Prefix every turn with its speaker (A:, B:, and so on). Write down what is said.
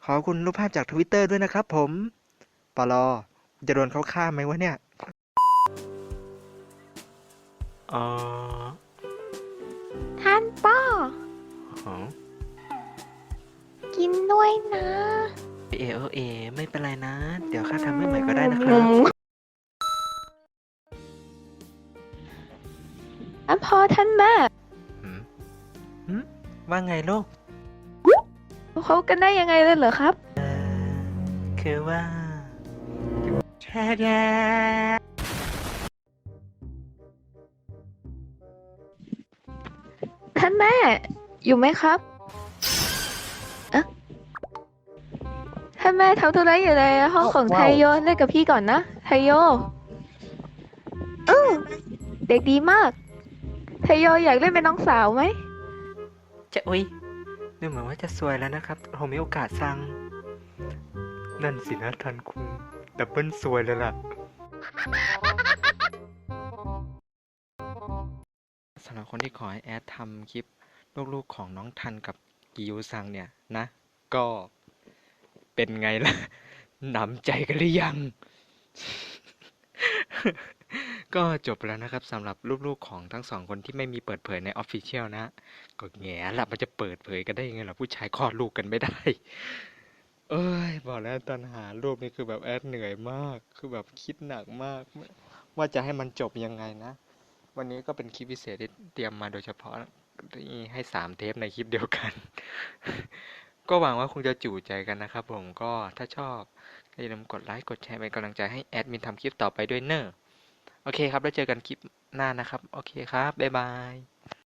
A: ขอบคุณรูปภาพจากทวิตเตอร์ด้วยนะครับผมปลอจะโดนเขาฆ่าไหมวะเนี่ยเออ
B: ท่านป้อ
A: อ๋อ
B: กินด้วยนะ
A: เอไม่เป็นไรนะ เดี๋ยวข้าทำให้ใหม่ก็ได้นะค
B: อื
A: รับ
B: มท่านพ่อท่านแม่
A: หืมหืมว่าไงลูก
B: เขากันได้ยังไงเลยเหรอครับ
A: คือว่าแช่แย่
B: ท่านแม่อยู่ไหมครับอะท่านแม่ทำธุระอยู่ในห้องของไท
A: ว้าว
B: โยเล่นกับพี่ก่อนนะไทโยอือเด็กดีมากไทโยอยากเล่นเป็นน้องสาวไหม
A: จะอุ๊ยดูเหมือนว่าจะสวยแล้วนะครับโฮมิโอกะซังนั่นสินะทันคุงดับเบิลสวยเลยล่ะสำหรับคนที่ขอให้แอดทำคลิปลูกๆของน้องทันกับกิยูซังเนี่ยนะ ก็เป็นไงล่ะ หนำใจกันหรือยัง ก็จบแล้วนะครับสำหรับลูกๆของทั้งสองคนที่ไม่มีเปิดเผยใน Official นะก็แง่ละมันจะเปิดเผยกันได้ยังไงล่ะผู้ชายคลอดลูกกันไม่ได้ เอ้ยบอกแล้วตอนหารูปนี่คือแบบแอดเหนื่อยมากคือแบบคิดหนักมากว่าจะให้มันจบยังไงนะวันนี้ก็เป็นคลิปพิเศษที่เตรียมมาโดยเฉพาะที่ให้3 เทปในคลิปเดียวกัน ก็หวังว่าคงจะจู่ใจกันนะครับผมก็ถ้าชอบอย่าลืมกดไลค์กดแชร์เป็นกำลังใจให้แอดมินทำคลิปต่อไปด้วยเนอะโอเคครับแล้วเจอกันคลิปหน้านะครับโอเคครับบ๊ายบาย